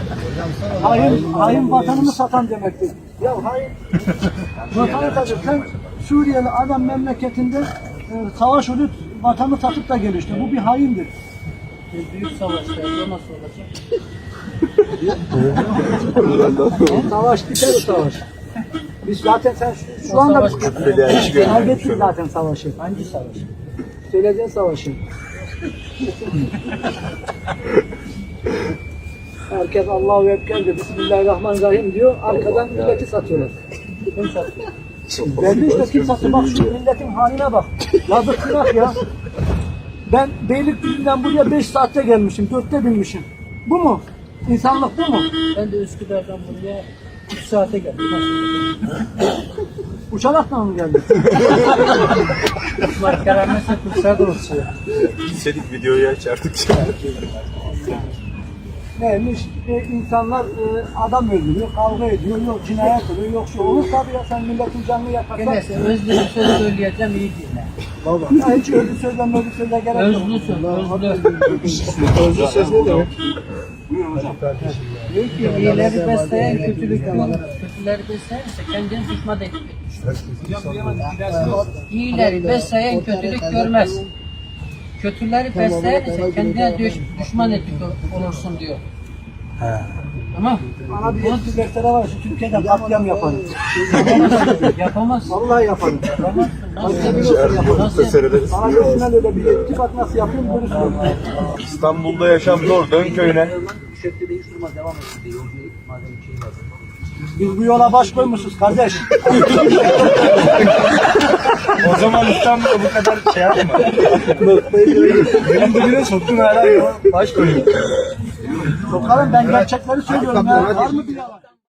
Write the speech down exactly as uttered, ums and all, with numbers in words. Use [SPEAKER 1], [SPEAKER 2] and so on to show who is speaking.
[SPEAKER 1] Hain, hain vatanını satan demektir. Ya hain vatanı satıyor. Sen Suriyeli adam memleketinde e, savaş olup vatanı satıp da gelişti. Bu bir haindir.
[SPEAKER 2] Büyük savaşlar, o nasıl olacak?
[SPEAKER 1] Savaş biter o savaş. Biz zaten sen şu, şu anda kaybettik zaten savaşı.
[SPEAKER 2] Hangi savaş?
[SPEAKER 1] Söyleyeceğin savaşı. Herkes Allahu Ekber diyor, Bismillahirrahmanirrahim diyor, arkadan milleti satıyorlar.
[SPEAKER 2] Kim satıyor?
[SPEAKER 1] Belli işte kim sattı, bak şu milletin haline bak. Yazık günah ya. Ben Beylikdüzü'nden buraya beş saatte gelmişim, dörtte binmişim. Bu mu? İnsanlık bu mu?
[SPEAKER 2] Ben de Üsküdar'dan buraya üç saate geldim.
[SPEAKER 1] Uçarakla mı geldin?
[SPEAKER 2] Kuşlar keremese kuşlar da uçuyor.
[SPEAKER 3] Gitseydik videoyu açardık.
[SPEAKER 1] Neymiş? E, insanlar e, adam öldürüyor, kavga ediyor, yok cinayet oluyor, yok şu olur tabii ya, sen milletin canını yakarsan.
[SPEAKER 2] Neyse özlü bir söz söyleyeceğim, iyi dinle.
[SPEAKER 1] Baba. Ya hiç özlü sözden özlü sözle gerek yok.
[SPEAKER 2] Özlü söz, özlü.
[SPEAKER 1] Özlü söz ne demek?
[SPEAKER 2] Diyor ki iyileri besleyen kötülük görmez. Kötüleri beslerse kendini düşman etmek. İyileri besleyen kötülük görmez. Kötüleri besleyen ise kendine düş, düşman etmek olursun diyor. Tamam.
[SPEAKER 1] Bana bir eski deftere var, şu Türkiye'de katliam yaparım.
[SPEAKER 2] Yapamazsın.
[SPEAKER 1] Vallahi yaparım.
[SPEAKER 2] Yapamazsın.
[SPEAKER 1] Nasıl biliyorsun yaparım.
[SPEAKER 2] Nasıl
[SPEAKER 3] Seyrederiz.
[SPEAKER 1] Bana görsünler öyle bir yetki, bak nasıl yapayım görürsün.
[SPEAKER 3] İstanbul'da yaşam zor. Dön köyüne.
[SPEAKER 1] Biz bu yola baş koymuşuz kardeş.
[SPEAKER 3] O zaman İstanbul'da bu kadar şey yapma. Benim dibine soktun hala ya. Baş koyuyor.
[SPEAKER 1] Sokarım, ben gerçekleri söylüyorum ya. Var mı bir yalan?